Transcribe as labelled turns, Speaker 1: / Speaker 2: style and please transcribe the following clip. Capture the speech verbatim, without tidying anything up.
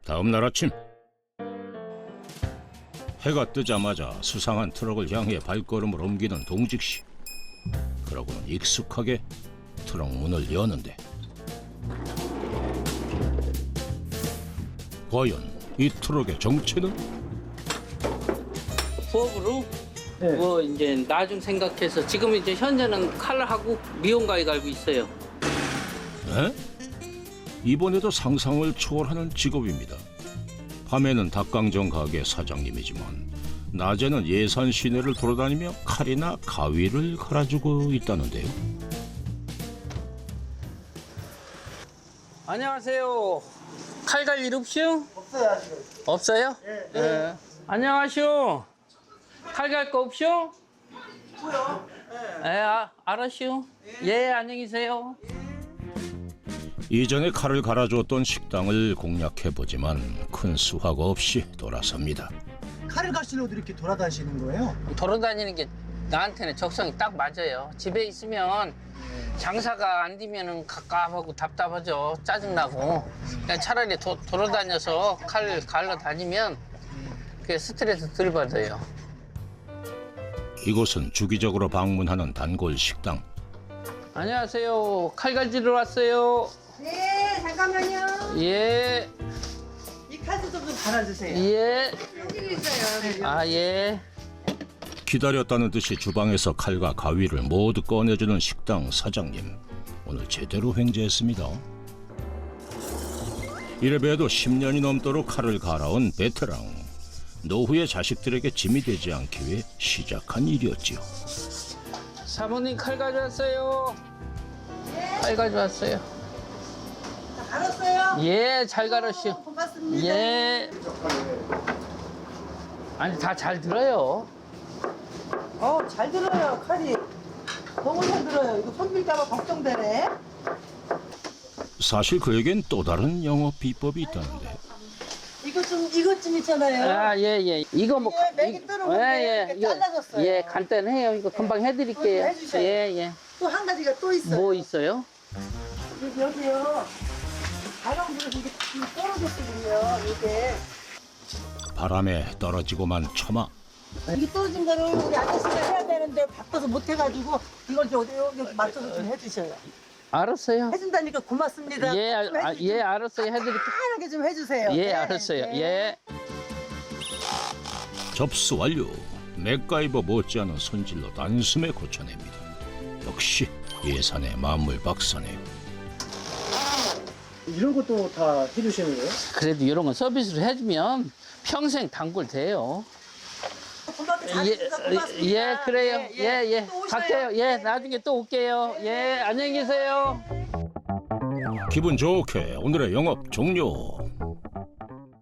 Speaker 1: 다음 날 아침 해가 뜨자마자 수상한 트럭을 향해 발걸음을 옮기는 동직 씨. 그러고는 익숙하게 트럭 문을 여는데 과연 이 트럭의 정체는?
Speaker 2: 부업으로
Speaker 3: 네.
Speaker 2: 뭐 이제 나중 생각해서 지금 이제 현재는 칼하고 미용가에 갈고 있어요.
Speaker 1: 에? 이번에도 상상을 초월하는 직업입니다. 밤에는 닭강정 가게 사장님이지만 낮에는 예산 시내를 돌아다니며 칼이나 가위를 갈아주고 있다는데요.
Speaker 2: 안녕하세요. 칼 갈 일 없슈?
Speaker 3: 없어요 아직은.
Speaker 2: 없어요?
Speaker 3: 예,
Speaker 2: 예. 안녕하쇼. 칼 갈 거 없쇼?
Speaker 3: 뭐요?
Speaker 2: 예, 아, 알았슈. 예, 안녕히 계세요.
Speaker 1: 이전에 칼을 갈아주었던 식당을 공략해보지만 큰 수확 없이 돌아섭니다.
Speaker 3: 칼을 가시려고 이렇게 돌아다니시는 거예요?
Speaker 2: 돌아다니는 게 나한테는 적성이 딱 맞아요. 집에 있으면 장사가 안 되면 갑갑하고 답답하죠. 짜증나고. 그냥 차라리 도, 돌아다녀서 칼 갈러 다니면 그게 스트레스 덜 받아요.
Speaker 1: 이곳은 주기적으로 방문하는 단골 식당.
Speaker 2: 안녕하세요. 칼 갈지러 왔어요.
Speaker 4: 네, 잠깐만요.
Speaker 2: 예,
Speaker 3: 이 칼도 좀 갈아주세요.
Speaker 2: 예.
Speaker 4: 여기 있어요.
Speaker 2: 아, 예.
Speaker 1: 기다렸다는 듯이 주방에서 칼과 가위를 모두 꺼내주는 식당 사장님. 오늘 제대로 횡재했습니다. 이래봬도 십 년이 넘도록 칼을 갈아온 베테랑. 노후의 자식들에게 짐이 되지 않기 위해 시작한 일이었지요.
Speaker 2: 사모님 칼 가져왔어요. 칼 가져왔어요.
Speaker 4: 알았어요?
Speaker 2: 예, 잘 갈았슈.
Speaker 4: 고맙습니다.
Speaker 2: 예. 아니, 다 잘 들어요.
Speaker 4: 어, 잘 들어요, 칼이. 너무 잘 들어요. 이거 손 빌까봐 걱정되네.
Speaker 1: 사실 그에겐 또 다른 영업 비법이 있다는데.
Speaker 4: 이거 좀, 이것 좀 있잖아요.
Speaker 2: 아, 예, 예. 이거 뭐.
Speaker 4: 예, 맥이 뜨는 건데 이렇게 잘라졌어요.
Speaker 2: 예, 간단해요. 이거 금방 해드릴게요.
Speaker 4: 그거 좀 해주셔요.
Speaker 2: 예, 예.
Speaker 4: 또 한 가지가 또 있어요.
Speaker 2: 뭐 있어요?
Speaker 4: 여기, 여기요. 바람 불어서 이게 떨어졌거든요, 이게.
Speaker 1: 바람에 떨어지고만 처마.
Speaker 4: 이게 떨어진 거를 우리 아저씨가 해야 되는데 바빠서 못 해가지고 이걸 좀 여기, 여기 맞춰서 좀 해주셔요.
Speaker 2: 알았어요.
Speaker 4: 해준다니까 고맙습니다.
Speaker 2: 예,
Speaker 4: 좀
Speaker 2: 아,
Speaker 4: 해주-
Speaker 2: 예, 알았어요. 해드릴게요.
Speaker 4: 편하게 좀 해주세요.
Speaker 2: 예,
Speaker 4: 네,
Speaker 2: 알았어요.
Speaker 4: 네.
Speaker 2: 예.
Speaker 1: 접수 완료. 맥가이버 못지않은 손질로 단숨에 고쳐냅니다. 역시 예산의 만물 박사네요.
Speaker 3: 이런 것도 다 해주시는 거예요?
Speaker 2: 그래도 이런 건 서비스로 해주면 평생 단골 돼요.
Speaker 4: 고맙게 잘
Speaker 2: 예,
Speaker 4: 해주셔서 고맙습니다.
Speaker 2: 예, 그래요. 예, 예.
Speaker 4: 또 오셔요.
Speaker 2: 갈게요. 예, 나중에 또 올게요. 예, 안녕히 계세요.
Speaker 1: 기분 좋게 오늘의 영업 종료.